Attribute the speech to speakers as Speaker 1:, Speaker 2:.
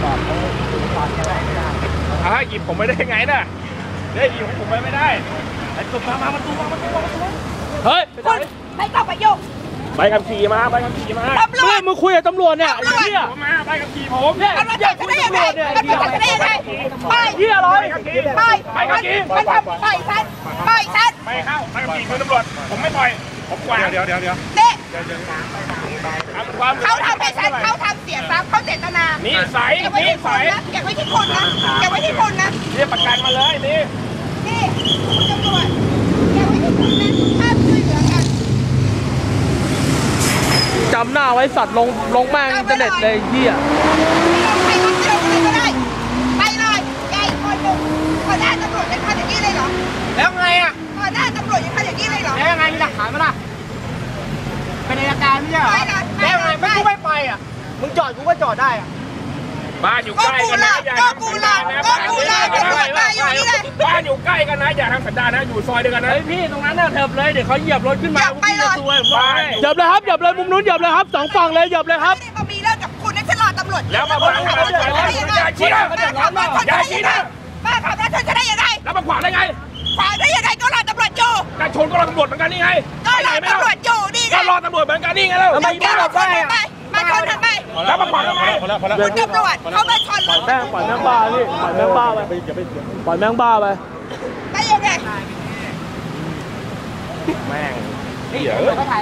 Speaker 1: อดเขาตอนจะได้ไม่ได้
Speaker 2: หยิบผมไม่ได้ไงน่ะหยิบผมไม่ได้ไอ้ตัวมาประตูเฮ้ย
Speaker 3: คุณไม่ต้องไปยุ่ง
Speaker 2: ใบขับขี่มาตำรวจ
Speaker 1: มึงคุยกับตำรวจเนี่ยไอ้เหี้ย
Speaker 2: มาใบขับขี่ผมเนี่ย
Speaker 3: ตำรวจจับฉันได้ยังไงตำรวจจับฉันได้ยังไงไป
Speaker 1: เหี้ยอะไร
Speaker 3: ไปมันทำไปฉัน
Speaker 2: ไม่เข้าใบขับขี่คือตำรวจผมไม่ปล่อยผมกวาดเดี๋ยว
Speaker 3: นี่เขาทำให้ฉันเขาทำเสียทรัพย์เขาเจตนา
Speaker 2: นี่ใส
Speaker 3: เก็บไว้ที่คนนะเก็บไว้ที่คนนะ
Speaker 2: เรียกประกันมาเลยนี่
Speaker 3: คุณตำรวจเก็บไว้ที่คนนะห้ามช่วยเหลือกัน
Speaker 1: จำหน้าไว้สัตว์ลงแม่งอินเทอร์เน็ตเลยเหี้ย
Speaker 3: ใครก็ได้ไปเลยใหญ่คนหนึ่งพอได้ตำรวจยังทำอย่างนี้เลยเหรอ
Speaker 1: แล้วไงอ่ะ
Speaker 3: พอได้ตำรวจยังทำอย่างนี้เลยเหรอ
Speaker 1: แล้วยังไงมีหลักฐานมั้ยล่ะเป็นอัยการไม่ใช่เหรอแล้วไงไม่กูไม่ไปอ่ะมึงจอดกูก็จอดได้อ่ะ
Speaker 2: บ้านอยู่ใกล้กันนะอย่าทำสันดานนะบ้านอยู่ใกล้กันนะอย่าทำสันดานนะอยู่ซอยเดียวกันนะ
Speaker 1: พี่ตรงนั้นน่ะเถิบเลยเดี๋ยวเขาเหยียบรถขึ้นมา
Speaker 3: พี่จะซวย
Speaker 1: เหยียบเลยครับเหยียบเลยมุมนู้นเหยียบเลยครับสองฝั่งเลยเหยียบเลยครับ
Speaker 3: มามีเรื่องกับคุณให้ฉันรอตำรวจ
Speaker 2: แล้วมาบอกอย่าชี้นะ
Speaker 3: ป้าขับรถชนฉันได้ยังไง
Speaker 2: แล้วมาขวางได้ไง
Speaker 3: ขวางได้ยังไงก็รอตำรวจอยู่
Speaker 2: การชนก็รอตำรวจเหมือนกันนี่ไง
Speaker 3: ก็รอตำรวจอยู่นี่ไง
Speaker 2: ก็รอตำรวจเหมือนกันนี่ไงแล้ว
Speaker 3: มาชนทำไม
Speaker 2: แล้วมาขวางทำไม
Speaker 3: คุณตำรวจเขามาชนรถ
Speaker 1: ปล่อยแม่งบ้าพี่ปล่อยแม่งบ้าไปปล่อยแม่งบ้าไป
Speaker 3: ได้ยังไง
Speaker 2: แม่งเดี๋ยว